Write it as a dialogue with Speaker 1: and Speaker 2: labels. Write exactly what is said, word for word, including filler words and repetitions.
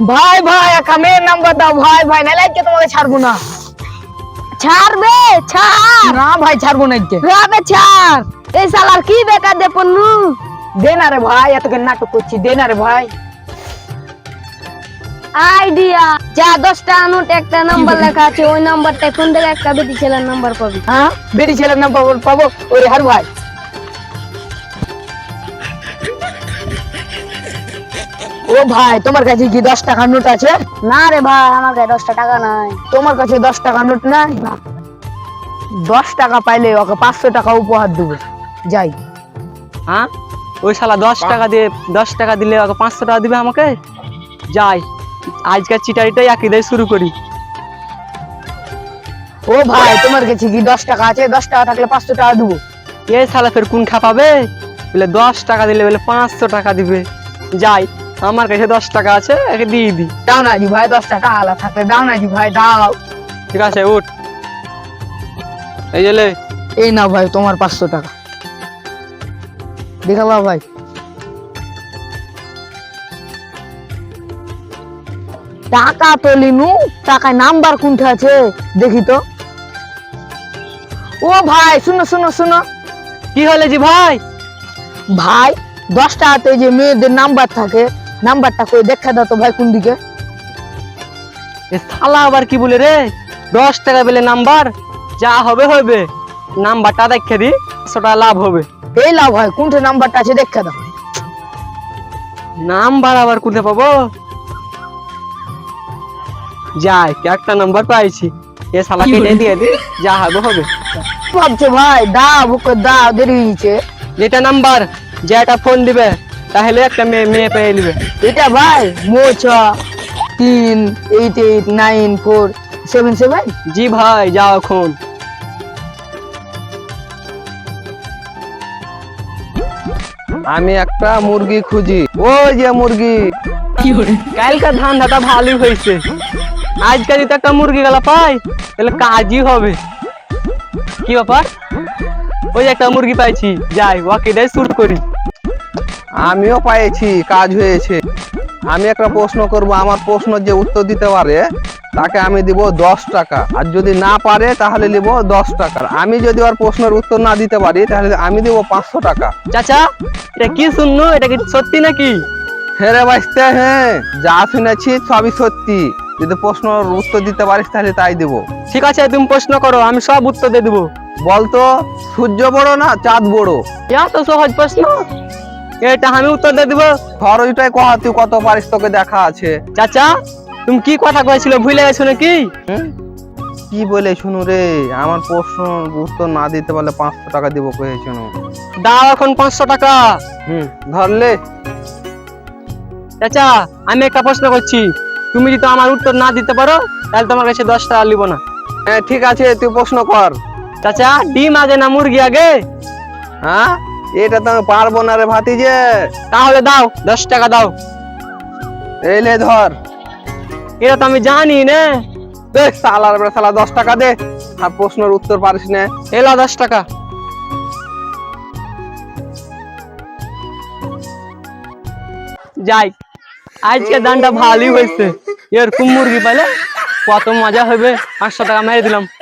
Speaker 1: ভাই ভাই একটা মেয়ের নাম্বার দাও ভাই ভাই নাইলে আজকে তোমাকে ছাড়বো না।
Speaker 2: ছাড়বে ছাড়
Speaker 1: না ভাই ছাড়বো না আজকে।
Speaker 2: রাবে ছাড় এই শালার কি বেকার দে পন্নু
Speaker 1: দে না রে ভাই, এতকে নাটক করছি, দে না রে ভাই।
Speaker 2: আইডিয়া যা দশটা নোট একটা নাম্বার লেখা আছে ওই নাম্বারটা কোন থেকে একটা বেটি ছেলের নাম্বার পাবি।
Speaker 1: হ্যাঁ বেটি ছেলের নাম্বার পাবো? ওরে হার ভাই ও ভাই তোমার কাছে কি দশ টাকার নোট আছে?
Speaker 2: না রে ভাই আমার কাছে দশটা টাকা নাই।
Speaker 1: তোমার কাছে দশ টাকার নোট নাই? দশ টাকা পাইলে ওকে পাঁচশো টাকা উপহার দেবো। যাই।
Speaker 3: হ্যাঁ ওই শালা দশ টাকা দিয়ে দশ টাকা দিলে ওকে পাঁচশো টাকা দিবে আমাকে? যাই আজকের চিটারিটাই একই দিয়ে শুরু করি।
Speaker 1: ও ভাই তোমার কাছে কি দশ টাকা আছে? দশ টাকা থাকলে পাঁচশো টাকা দেবো।
Speaker 3: এ শালা ফের কোন খাপাবে? বলে দশ টাকা দিলে বলে পাঁচশো টাকা দিবে। যাই আমার কাছে দশ টাকা আছে, একে দিয়ে দি।
Speaker 1: দাও না জি ভাই, দশ টাকা আলা থাকলে দাও না জি ভাই, দাও।
Speaker 3: ঠিক আছে উঠ, এই যে লে।
Speaker 1: এই না ভাই তোমার পাঁচশো টাকা, দেখাবা ভাই। টাকা তো লিনু, টাকায় নাম্বার কোনটা আছে দেখি তো। ও ভাই শুনো শুনো শুনো।
Speaker 3: কি হলে জি ভাই?
Speaker 1: ভাই দশ টাকাতে যে মেয়েদের নাম্বার থাকে, নাম্বারটা করে দেখা দাও তো ভাই কোন দিকে।
Speaker 3: এ শালা আবার কি বলে রে? দশ টাকা পেলে নাম্বার, যা হবে হবে, নাম্বারটা দেখে দি, পাঁচশো টাকা লাভ হবে।
Speaker 1: এই লাও ভাই কোনটা নাম্বারটা আছে দেখা দাও।
Speaker 3: নাম্বার আবার কোথায় পাবো? যাই একটা নাম্বার পাইছি, এ শালা কেটে দিয়ে দি, যা হবে হবে।
Speaker 1: ভাবছো ভাই দাও বুকে দাও, দেরি হয়েছে।
Speaker 3: যেটা নাম্বার যেটা ফোন দিবে তাহলে একটা মেয়ে মেয়ে পেয়ে নিবে।
Speaker 1: এটা ভাই মো ছ তিন eight eight nine four seven seven.
Speaker 3: জি ভাই যাও এখন।
Speaker 4: আমি একটা মুরগি খুঁজি, ওই যে মুরগি।
Speaker 3: কালকার ধান্দাটা ভালোই হয়েছে, আজকাল যদি একটা মুরগি গেলা পাই তাহলে কাজই হবে। কি ব্যাপার? ওই একটা মুরগি পাইছি, যাই ওকে দিয়ে শুট করি।
Speaker 4: আমিও পাইছি, কাজ হয়েছে। আমি একটা প্রশ্ন করব, আমার প্রশ্নের যে উত্তর দিতে পারে তাকে আমি দিব দশ টাকা, আর যদি না পারে তাহলে নিব দশ টাকা। আমি যদি ওর প্রশ্নের উত্তর না দিতে পারি তাহলে আমি দিব পাঁচশো টাকা।
Speaker 3: চাচা এটা কি শুনলো? এটা কি সত্যি নাকি?
Speaker 4: হ্যাঁ রে বাঁচতে, হ্যাঁ যা শুনেছি সবই সত্যি। যদি প্রশ্নের উত্তর দিতে পারিস তাহলে তাই দিব।
Speaker 3: ঠিক আছে তুমি প্রশ্ন করো, আমি সব উত্তর দিয়ে দেবো।
Speaker 4: বলতো সূর্য বড় না চাঁদ বড়?
Speaker 3: এত সহজ প্রশ্ন, এটা আমি উত্তর দিয়ে দেবো।
Speaker 4: খরচটাই কহা, তুই কত পারিস তোকে দেখা আছে।
Speaker 3: চাচা তুমি কি কথা কয়েছিল, ভুলে গেছো নাকি?
Speaker 4: হুম? কি বলে শুনু রে, আমার প্রশ্ন উত্তর না দিতে পারলে পাঁচশো টাকা দিব কয়ে শুনু।
Speaker 3: দাও এখন পাঁচশো টাকা।
Speaker 4: হুম ধরলে।
Speaker 3: চাচা আমি একটা প্রশ্ন করছি, তুমি যদি আমার উত্তর না দিতে পারো তাহলে তোমার কাছে দশ টাকা নিব না।
Speaker 4: হ্যাঁ ঠিক আছে, তুই প্রশ্ন কর।
Speaker 3: চাচা ডিম আগে না মুরগি আগে?
Speaker 4: হ্যাঁ এটা তো আমি পারবো না রে ভাতিজে।
Speaker 3: তাহলে দাও দশ টাকা দাও।
Speaker 4: এই লে ধর।
Speaker 3: এটা তো আমি জানি না।
Speaker 4: দে সালার বেড়া সালা, দশ টাকা দে। আর প্রশ্নের উত্তর পারিস না।
Speaker 3: এলা দশ টাকা। যাই আজকে দানটা ভালোই হয়েছে, এরকম মুরগি পাইলে কত মজা হবে। পাঁচশো টাকা মেরে দিলাম।